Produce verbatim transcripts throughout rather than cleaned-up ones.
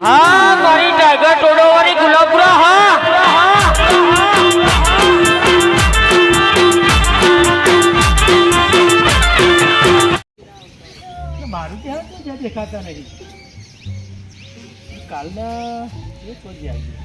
હા મારી ટાઈગર ટોડો વાળી ગુલાબપુરા હા મારું ત્યાં તો જ્યાં દેખાતા નહીં કાલના એક વાગે આવી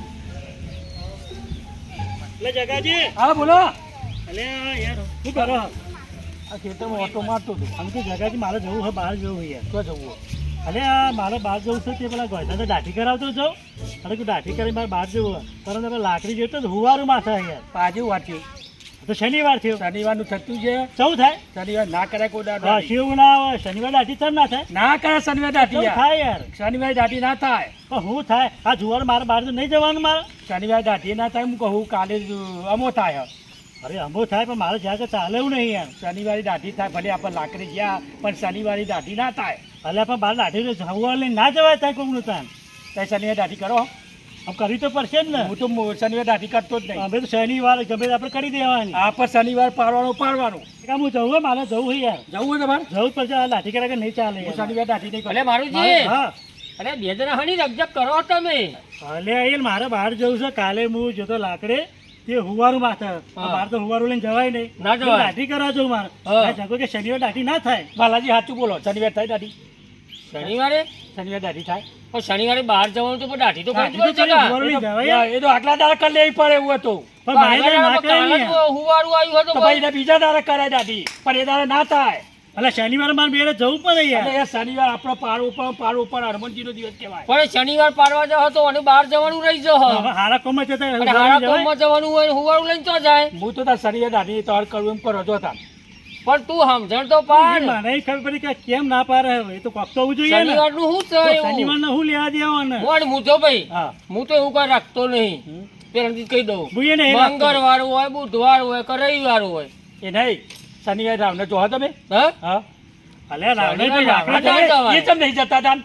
એટલે જગાજી હા બોલો એટલે યાર શું કરો આ ખેતરમાં ઓટો મારતો હતો આમ કે જગાજી મારે જવું હોય બહાર જવું હોય યાર તો જવું અરે આ મારે બહાર જવું છે તે પેલા ગોયતા તો દાઢી કરાવતો જાઉં અરે તું દાઢી કરી મારે બહાર જવું હોય પરંતુ આપણે લાકડી જોઈતો તો હુવારું માથા યાર પાછું વાંચ્યું તો શનિવાર થયો શનિવારનું થતું છે સૌ થાય શનિવાર ના કરે કોઈ દાડો હા શિવ ના આવે શનિવાર દાઢી ચમ ના થાય ના કરે શનિવાર દાઢી થાય યાર શનિવાર દાઢી ના થાય પણ હું થાય આ જુવાર મારે બહાર તો નહીં જવાનું મારે શનિવાર દાઢી ના થાય હું કહું કાલે અમો થાય અરે અમો થાય પણ મારે જ્યાં ચાલે એવું નહીં યાર શનિવારે દાઢી થાય ભલે આપણે લાકડી ગયા પણ શનિવારે દાઢી ના થાય ભલે પણ બહાર દાઢી જવા લઈને ના જવાય થાય કોઈનું તાન ત્યાં શનિવાર દાઢી કરો આમ કરી તો પડશે જ ને હું તો શનિવાર દાઢી કરતો જ નહીં અમે તો શનિવાર ગમે આપણે કરી દેવાની આ પર શનિવાર પાડવાનું પાડવાનું કામ હું જવું મારે જવું હોય યાર જવું હોય તમારે જવું જ પડશે લાઠી કરે કે નહીં ચાલે શનિવાર દાઢી નહીં અરે મારુજી હા અરે બે જણા હણી રકજક કરો તમે અલે આઈ મારે બહાર જવું છે કાલે હું જતો લાકડે તે હુવારું માથા બહાર તો હુવારું લઈને જવાય નહીં ના જવાય દાઢી કરવા જવું મારે જગો કે શનિવાર દાઢી ના થાય બાલાજી સાચું બોલો શનિવાર થાય દાઢી શનિવારે શનિવાર દાઢી થાય પણ શનિવારે બહાર જવાનું તો પણ દાઢી તો કરી એ તો આટલા દાડા કરી લેવી પડે એવું હતું પણ હુવારું આવ્યું હતું ભાઈ બીજા દાડા કરાય દાઢી પણ એ દાડા ના થાય એટલે શનિવારે મારે બેરે જવું પડે યાર એ શનિવાર આપણો પાર ઉપર પાર ઉપર હનુમાનજી નો દિવસ કહેવાય પણ શનિવાર પાડવા જાવ તો અને બહાર જવાનું રહી જાવ હારા કોમમાં જતા હારા કોમમાં જવાનું હોય હુવારું લઈને તો જાય હું તો તાર શનિવાર દાઢી તોડ કરવું એમ કરો છો તાર પણ તું સમજણ તો પાડ મને ખબર પડી કે કેમ ના પારે એ તો કોક તો હોવું જોઈએ શનિવાર નું શું છે શનિવાર નું શું લેવા દેવાનું મોડ હું તો ભાઈ હું તો એવું કઈ રાખતો નહીં પેલાથી કહી દઉં મંગળવાર હોય બુધવાર હોય કે રવિવાર હોય એ નહીં શનિવાર રાવને જોવા તમે હા હા અલે રાવને તો એ કેમ નહીં જતા તા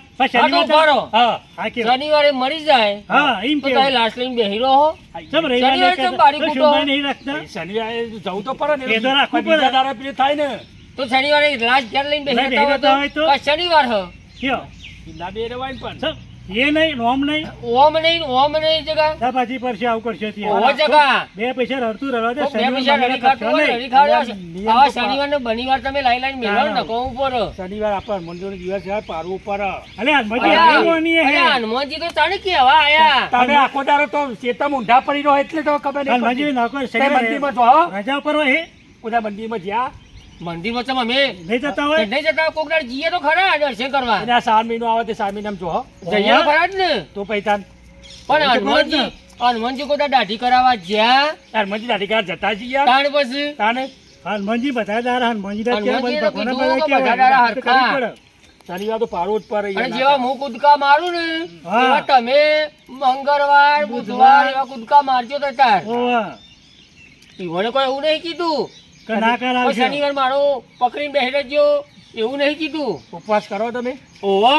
શનિવારે મરી જાય હા એમ તો તારે લાશ લઈને બેહી રહો શનિવારે કેમ બારી કૂટો નહીં રાખતા શનિવારે જવું તો પડે ને એ તો રાખવું પડે દાડા પીલે થાય ને તો શનિવારે લાશ ઘેર લઈને બેહી રહેતા હોય તો શનિવાર હ કયો ના બે રેવાય પણ એ નહીં ઓમ નહીં ઓમ નહીં ઓમ નહીં જગા તા પાછી પરસે આવ કરશે તી ઓ જગા બે પૈસા રડતું રડવા દે બે પૈસા રડી ખાતું રડી ખાવા આ શનિવાર ને બનીવાર તમે લાઈ લાઈને મેલો ન કો ઉપર શનિવાર આપણ મંજૂર દિવસ છે પારવું ઉપર અલે હનુમાનજી આવવાની હે અરે હનુમાનજી તો તાણે કેવા આયા તમે આખો દારો તો ચેતા મુંઢા પડી રહ્યો એટલે તો ખબર નહીં હનુમાનજી નાકો શનિવાર મંદિરમાં જો રજા ઉપર હે કોના મંદિરમાં જ્યા મંદિરમાં તમે અમે નહીં જતા હોય નહીં જતા કોક દાડ જીએ તો ખરા દર્શન કરવા એના સાર મહિનો આવે તે સાર મહિનામાં જો જઈએ ખરા જ ને તો પૈતાન પણ હનુમાનજી હનુમાનજી કોઈ દાઢી કરાવવા જ્યાં હનુમાનજી દાઢી કરાવવા જતા જઈએ તાણ પછી તાને હનુમાનજી બધા દારા હનુમાનજી દા કે ભગવાન બધા દારા હરખા શનિવાર તો પાડો જ પર અને જેવા હું કૂદકા મારું ને એવા તમે મંગળવાર બુધવાર એવા કૂદકા મારજો તો તાર ઈવોને કોઈ એવું નહીં કીધું શનિવાર મારો પકડીને બેસી રહેજો એવું નહીં કીધું ઉપવાસ કરો તમે ઓહો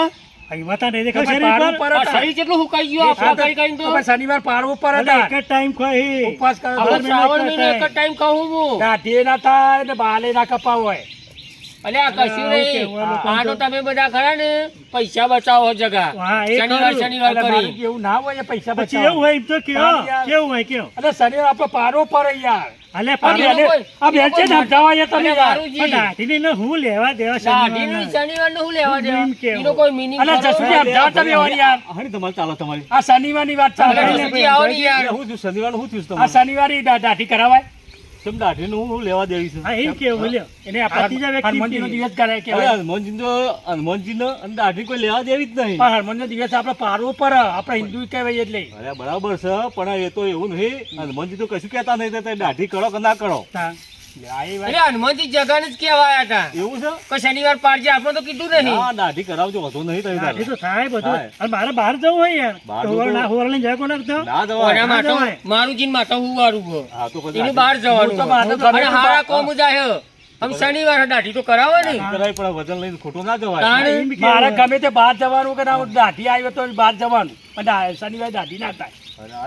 શરીર કેટલું હુકાઈ ગયું શનિવાર પાડવું પર એક ટાઈમ ખાઈ ઉપવાસ કરો શ્રાવણ મહિનો એક જ ટાઈમ ખાવું હું દાઢી ના થાય ને બાલે ના કપાવ હોય અલે આ કશું નહીં આ તો તમે બધા ખરા ને પૈસા બચાવો જગા શનિવાર શનિવાર કરી એવું ના હોય પૈસા બચાવો એવું હોય તો કેવું કેવું હોય કેવું અરે શનિવાર આપણો પારો પર યાર અલે આ બેન છે સમજાવા તમે દાઢી ને હું લેવા દેવા શનિવાર ને હું લેવા દેવા એનો કોઈ મીનિંગ અલે જસુજી સમજાવ તમે યાર હરી તમારે ચાલો તમારી આ શનિવાર ની વાત ચાલે યાર હું શનિવાર હું થયું આ શનિવારે દાઢી કરાવાય તમ દાઢી નું હું લેવા દેવી છે હા એમ કેવું બોલ્યો એને આ પાતીજા વ્યક્તિ હનુમાનજી નો દિવસ કરે કે હનુમાનજી નો હનુમાનજી નો અને દાઢી કોઈ લેવા દેવી જ નહીં પણ હનુમાનજી નો દિવસ આપણે પારવો પર આપણે હિન્દુ કહેવાય એટલે અરે બરાબર છે પણ એ તો એવું નહીં હનુમાનજી તો કશું કહેતા નહીં તો દાઢી કરો કે ના કરો હનુમાનજી જગા જ કેવાયા હતા એવું છે કોઈ શનિવાર પાડજે આપણે તો કીધું નહીં હા દાઢી કરાવજો વધુ નહીં તો દાઢી તો થાય બધું અને મારે બહાર જવું હોય યાર હોર ના હોર લઈને જાય કોણ તો ના જવાય માટો મારું જીન માટો હું વારું હા તો પછી બહાર જવાનું અને હારા કોમ જાય હમ શનિવાર દાઢી તો કરાવો ને કરાય પણ વજન લઈને ખોટું ના જવાય મારે ગમે તે બહાર જવાનું કે ના દાઢી આવ્યો તો બહાર જવાનું પણ શનિવાર દાઢી ના થાય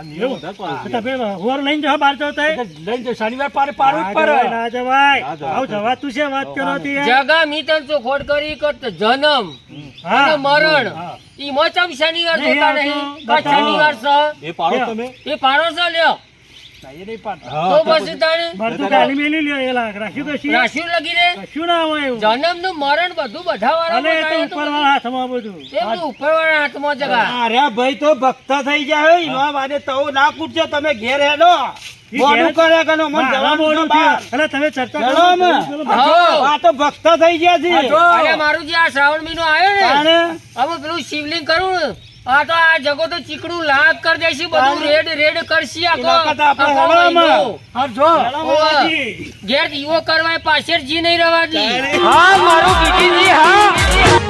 શનિવાર પાર પાડવું પર ના જવાય જવા તું છે વાત કરો જગા મી તન ચોખોટ કરી જન્મ હા. અને મરણ હા. ઈમાં ચમ શનિવાર નહીં જોતા આવતો. નહીં કાં બતાવો. શનિવાર છે એ પાડો તમે એ પાડો છે લ્યો ના, એ નહીં પાડતા. હા, તો તો પછી તાણે મારે તું ગાલી મેલી લ્યો એ લાગ રાખ્યું કશી રાશિઓ લગી રે કશું ના હોય એવું જન્મ નું મરણ બધું બધા અલે એ તો વાળા ઉપરવાળા હાથમાં બધું ઉપર વાળા હાથમાં જગા અરે ભાઈ તો ભક્ત થઈ જાય એનો વાદે તો ના કૂટજો તમે ઘેર હેડો ઈ મોડું ઘેર- કરે કે નો મન મારા જવાનું મોઢું છે બહાર. થયું. અલે તમે ચર્ચા કરો ચલો અમે. પેલો હા. બધો. આ તો ભક્ત થઈ ગયા છે અરે મારું જે આ શ્રાવણ મહિનો આવ્યો ને તાણે હવે પેલું શિવલિંગ કરું ને આ તો આ જગો તો ચીકણું લાગ કરી દેશે બધું રેડ રેડ કરશી આખો એના કરતા આપણે આખો હવામાં. મહિનો. હા, જો ઓવે. ઘેર દીવો કરવા પાછળ જી નહીં રવા દી હા મારું કીધીજી હા